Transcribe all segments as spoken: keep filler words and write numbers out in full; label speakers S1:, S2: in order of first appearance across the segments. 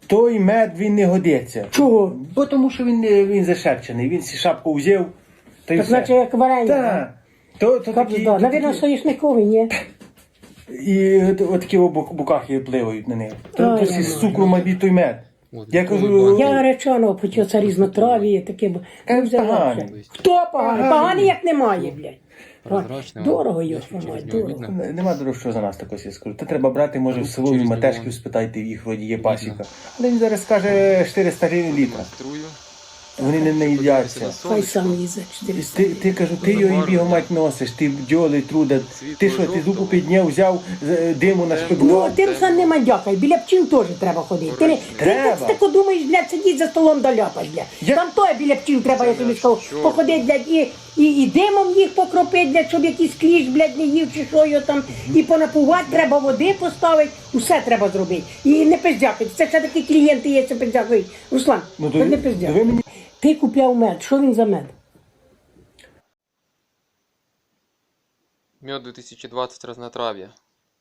S1: той мед він не годиться.
S2: Чого?
S1: Бо тому що він, не- він зашепчений, він сі шапку взяв, та й
S2: Так
S1: все.
S2: наче як варення.
S1: Так. То, то такі, то
S2: Навірно,
S1: такі,
S2: соняшниковий, ні?
S1: і от- отакі в бу- букахи пливають на них. То,
S2: Ай,
S1: то сі
S2: ай,
S1: з цукру мабуть той мед. Я кажу,
S2: Я гречаного почув, це різнотраві, таке. б-
S1: Та
S2: Ну, взяла
S1: поганий.
S2: вже. Хто поганий?
S1: Поганий.
S2: Поганий як немає, блядь.
S3: Прозрачний,
S2: Дорого
S3: я
S2: його,
S3: чуть через
S2: мать,
S3: нього
S2: дорого.
S3: видно.
S1: Н- Нема дорожчого за нас такого я скажу. Та треба брати, може, в село
S3: через
S1: і матешків
S3: нього.
S1: спитайте, їх вроді є пасіка. Але він зараз скаже чотириста гривень літра.
S3: Струю.
S1: Вони не наїдяться.
S2: Хай сам їздить чотириста.
S1: Ти, ти кажу, ти його і бігом мать носиш, ти бджоли труда. Ти що, ти зубу підняв, взяв з- диму на
S2: Ну,
S1: шпигло.
S2: ти, Руслан, не мандякай, біля пчіл теж треба ходити. Ти, не- ти,
S1: Треба.
S2: ти, тако думаєш, блядь, сидіть за столом да ляпаш, блядь.
S1: Я-
S2: Там то біля пчіл треба, я тобі сказав,
S3: що?
S2: походити, блядь, і, і, і димом їх покропити, блядь, щоб якийсь кліщ, блядь, не їв чи що його там. І понапувати, треба води поставити, усе треба зробити. І не пиздякати. Це ще такі клієнти є, це пиздякають. Руслан,
S1: Ну,
S2: ну,
S1: то
S2: не
S1: ви-
S2: пиздякай.
S1: то ви мені-
S2: Ти купляв мед, що він за мед?
S3: Мед две тысячи двадцать разнотравье.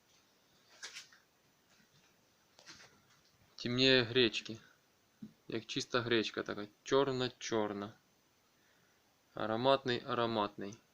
S3: Темнее гречки. Як чиста гречка така. Чорна-чорна. Ароматний, ароматний.